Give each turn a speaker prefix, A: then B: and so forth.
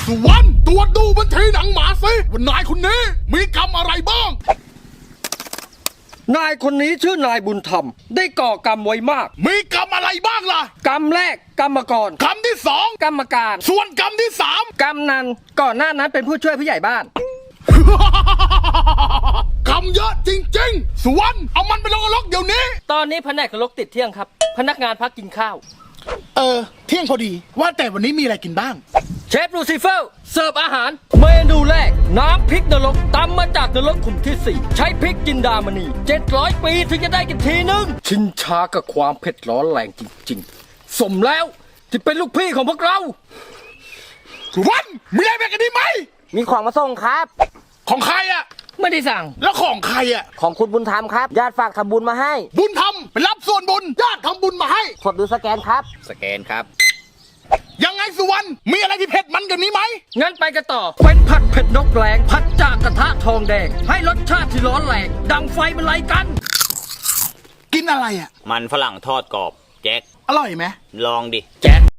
A: สุวรรณตรวจดูบัญชีหนังหมาสิว่านายคนนี้มีกรรมอะไรบ้าง
B: นายคนนี้ชื่อนายบุญธรรมได้ก่อกรรมไว้มาก
A: มีกรรมอะไรบ้างล่ะ
B: กรรมแรกกรรมกร
A: กรรมที่สอง
B: กรรมการ
A: ส่วนกรรมที่สาม
B: กำนันก่อนหน้านั้นเป็นผู้ช่วยผู้ใหญ่บ้าน
A: กรรมเยอะจริงๆสุวรรณเอามันไปลงนรกเดี๋ยวนี้
B: ตอนนี้แผนกนรกติดเที่ยงครับ พนักงานพักกินข้าว
A: เที่ยงพอดีว่าแต่วันนี้มีอะไรกินบ้าง
B: เชฟลูซิเฟอร์เสิร์ฟอาหารเมนูแรกน้ำพริกนรกตำมาจากนรกขุมที่ 4 ใช้พริกจินดามณี700 ปีถึงจะได้กินทีนึง ชินชากับความเผ็ดร้อนแรงจริงๆ สมแล้วที่เป็นลูกพี่ของพวกเรา
A: สุวรรณมีอะไรกันดีไหม
C: มีของมาส่งครับ
A: ของใครอะ
B: ไม่ได้สั่ง
A: แล้วของใครอะ
C: ของคุณบุญธรรมครับ ญาติฝากทำบุญมาให้
A: บุญทำไปรับส่วนบุญญาติทำบุญมาให้
C: กดดูสแกนครับ
D: สแกนครับ
A: ยังไงสุวรรณมีอะไรที่เผ็ดมันกันนี้ไหม
B: งั้นไปกันต่อ เป็นผัดเผ็ดนกแรงผัดจากกระทะทองแดง ให้รสชาติที่ร้อนแรงดังไฟมันไล่กัน
A: กินอะไรอะ
D: มันฝรั่งทอดกรอบ แจ็ค
A: อร่อยไหม
D: ลองดิ
B: แจ็ค